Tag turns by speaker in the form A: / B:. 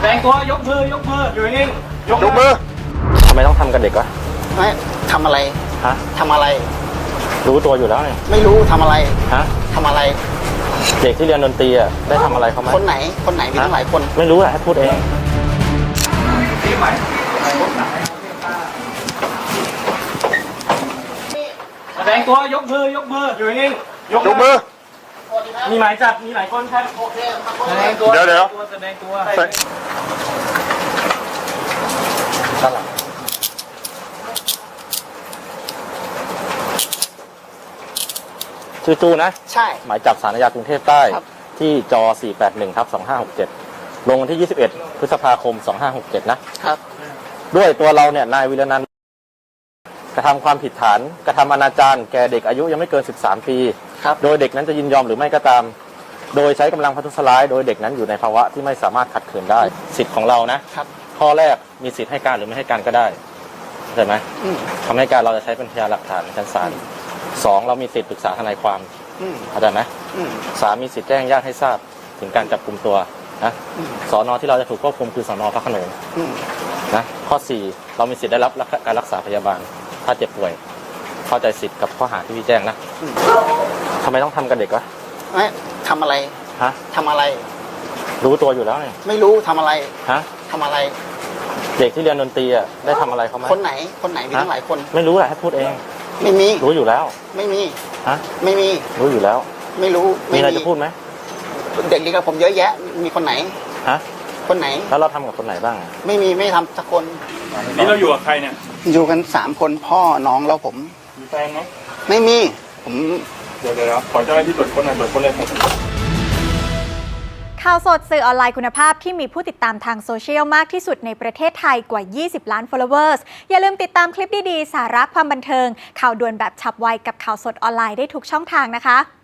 A: ดงตัวยกมือยู่นิ่งยก
B: ท
A: มือ
B: ำไมต้องทำกับเด็กวะ
C: ไม่ทำอะไร
B: ฮะ
C: ทำอะไร
B: รู้ตัวอยู่แล้วเนี่ย
C: ไม่รู้ทำอะไร
B: ฮะ
C: ทำอะไร
B: เด็กที่เรียนดนตรีอ่ะได้ทำอะไรเขาไหม
C: คนไหนมีตั้งหลายคน
B: ไม่รู้แหละให้พูดเอง
A: แสดงตัวยกมืออยู่นิ่งยกมือมีหมายจับมีหลายคนครับโอเคแสดงตัว
B: เดี๋ยว
A: แสดงตัว
B: ด้านหลังชื่อจูนะ
C: ใช่
B: หมายจับศาลอาญากรุงเทพใต้ที่จ481/2567ลงวันที่ 21 พฤษภาคม 2567นะครับด้วยตัวเราเนี่ยนายวิรนันท์กระทำความผิดฐานกระทำอนาจารแก่เด็กอายุยังไม่เกิน13 ปีโดยเด็กนั้นจะยินยอมหรือไม่ก็ตามโดยใช้กำลังประทุษร้ายโดยเด็กนั้นอยู่ในภาวะที่ไม่สามารถขัดขืนได้สิทธิ์ของเรานะข้อแรกมีสิทธิ์ให้การหรือไม่ให้การก็ได้เข้าใจไหมคำให้การเราจะใช้เป็นพยานหลักฐานในชั้นศาล2เรามีสิทธิ์ปรึกษาทนายความเข้าใจไหม3มีสิทธิ์แจ้งญาติให้ทราบถึงการจับกุมตัวนะสน.ที่เราจะถูกควบคุมคือสน.พระโขนงนะข้อ4เรามีสิทธิ์ได้รับการรักษาพยาบาลถ้าเจ็บป่วยเข้าใจสิทธิ์กับข้อหาที่พี่แจ้งนะทำไมต้องทำกับเด็กวะ
C: ไม่ทำอะไร
B: ฮะ
C: ทำอะไร
B: รู้ตัวอยู่แล้วเนี่ย
C: ไม่รู้ทำอะไร
B: ฮะ
C: ทำอะไร
B: เด็กที่เรียนดนตรีอ่ะได้ทำอะไรเขาไหม
C: คนไหนมีตั้งหลายคน
B: ไม่รู้แหละให้พูดเอง
C: ไม่มี
B: รู้อยู่แล้ว
C: ไม่มี
B: ฮะ
C: ไม่มี
B: รู้อยู่แล้ว
C: ไม่รู้
B: มีอะไรจะพูดไหม
C: เด็กดีกับผมเยอะแยะมีคนไหน
B: ฮะ
C: คนไหน
B: แล้วเราทำกับคนไหนบ้าง
C: ไม่ทำสักคน
A: นี่เราอยู่กับใครเนี่ย
C: อยู่กัน3 คนพ่อน้องแล้วผม
A: มีแฟนไหม
C: ไม่มีผม
A: เดี๋ยวขอเจ้าหน้าที่ตรวจค้นหน่อยตรวจค้นเลย
D: ข่าวสดสื่อออนไลน์คุณภาพที่มีผู้ติดตามทางโซเชียลมากที่สุดในประเทศไทยกว่า 20 ล้าน followers อย่าลืมติดตามคลิปดีๆ สาระความบันเทิงข่าวด่วนแบบฉับไวกับข่าวสดออนไลน์ได้ทุกช่องทางนะคะ